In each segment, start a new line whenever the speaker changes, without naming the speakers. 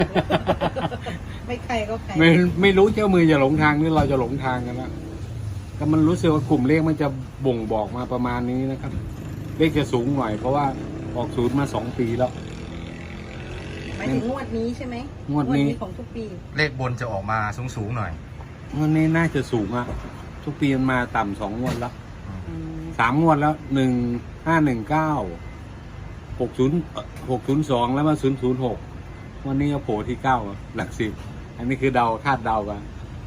ไม่ใครก็ใคร
ไม่รู้เจ้ามือจะหลงทางหรือเราจะหลงทางกันแล้วก็มันรู้สึกว่ากลุ่มเลขมันจะบ่งบอกมาประมาณนี้นะครับ เลขจะสูงหน่อยเพราะว่าออกศูนย์มา2 ปีแล้ว
หมายถึงงวดนี้ใช่ไหม
งวดนี้
ของทุกปี
เลขบนจะออกมาสูงหน่อย
วันนี้น่าจะสูงอ่ะทุกปีมันมาต่ำ2 งวดแล้ว
อืม
3 งวดแล้ว1519 6002แล้วมา006วันนี้ก็โผล่ที่9หลัก10อันนี้คือเดาคาดเดากัน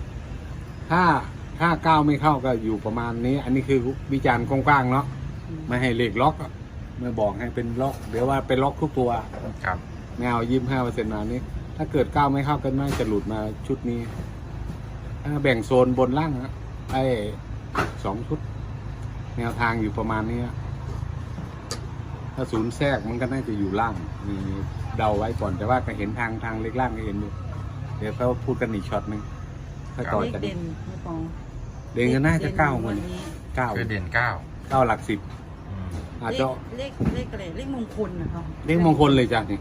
ถ้า9ไม่เข้าก็อยู่ประมาณนี้ อันนี้คือวิจารณ์กว้างๆเนาะไม่ให้เลขล็อกอะไม่บอกให้เป็นล็อกเดี๋ยวว่าเป็นล็อกทุกตัว
ครับ
ไม่เอา25%มานี้ ถ้าเกิด9ไม่เข้ากันน่าจะหลุดมาชุดนี้ถ้าแบ่งโซนบนล่างนะไอ้2 ชุด แนวทางอยู่ประมาณนี้นะถ้าศูนย์แทรกมันก็น่าจะอยู่ล่างมีเดาไว้ก่อนแต่ว่าก็เห็นทางเล็กล่างก็เห็นอยู่เดี๋ยวเขาพูดกันอีกช็อตหนึ่งถ้าต่อ
เลข
จาก
เด่
นี้
นไม่ปอง
เด่นก็น่าจะ9เหมือน
นี้
คือเด่น
9หลัก10
อืม
อาจ
เล
จะ
ขอะไรเลขมงคลนะครับ
เลขมงคลเลยจ้ะนี่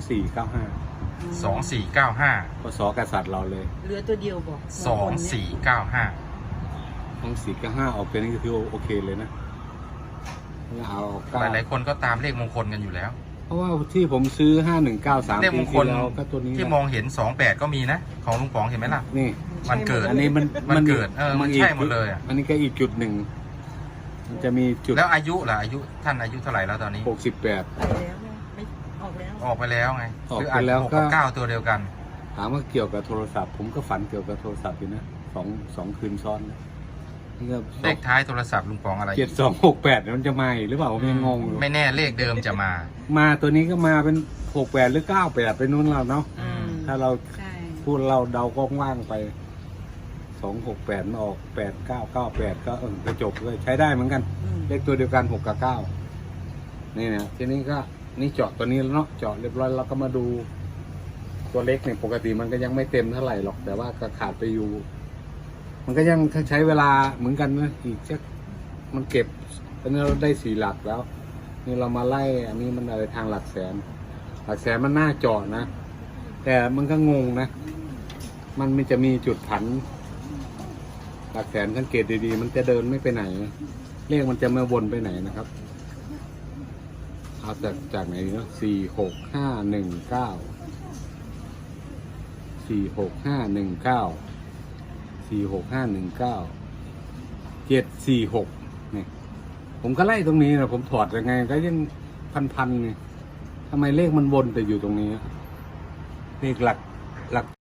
2495
พศกษัตริย์เราเลย
เหลือตัวเดียวบอกมงคลเนี่ย
2495
2495ออกเป็นนี่ก็คือโอเคเลยนะเอา
หลายๆคนก็ตามเลขมงคลกันอยู่แล้ว
เพราะว่าที่ผมซื้อ5193
เลข
ปี
มงค
ที่
ล
แล้วก็ตัวนี้
ที่มองเห็น28ก็มีนะ ของลุงป๋องเห็นไหมล่ะ
นี่
วันเกิด
อันนี้มัน
มันเกิดมันใช่หมดเลยอะ
อันนี้ก็อีกจุดหนึ่ง มันจะมีจุด
แล้วอายุล่ะอายุท่านอายุเท่าไหร่แล้วตอนนี้
68
ไปแล้วเนี่ยไม่ออกแล้ว
ออกไปแล้วไง
ออก
หรือ
ไปแล้ว
6
ก็
กับ9ตัวเดียวกัน
ถามว่าเกี่ยวกับโทรศัพท์ ผมก็ฝันเกี่ยวกับโทรศัพท์อยู่นะสองคืนซ้อนนะนี่ก็
เลขท้ายโทรศัพท์ลุงป๋องอะไร
7268มันจะมาอีกหรือเปล่าผมยังงงอยู่
ไม่แน่เลขเดิมจะมา
มาตัวนี้ก็มาเป็น68หรือ98ไปนู้นแล้วเนาะ
อืม
ถ้าเรา
ใช่
พูดเราเดากว้างๆไป268มาออก8998ก็กระจบเลยใช้ได้เหมือนกัน
อืม
เลขตัวเดียวกัน6กับ9นี่นะทีนี้ก็นี่เจาะตัวนี้แล้วเนาะเจาะเรียบร้อยแล้วก็มาดูตัวเล็กเนี่ยปกติมันก็ยังไม่เต็มเท่าไหร่หรอกแต่ว่าก็ขาดไปอยู่ มันก็ยังใช้เวลาเหมือนกันนะอีกสักมันเก็บตอนนี้เราได้4 หลักแล้ว นี่เรามาไล่อันนี้มันอะไรทางหลักแสนมันน่าเจาะนะแต่มันก็งงนะมันจะมีจุดผันหลักแสนสังเกตดีๆมันจะเดินไม่ไปไหนเลขมันจะไม่วนไปไหนนะครับเอาจากไหนเนาะ46519 746เนี่ยผมก็ไล่ตรงนี้นะผมถอดยังไงก็ยังพันเนี่ยทำไมเลขมันวนแต่อยู่ตรงนี้เลขหลัก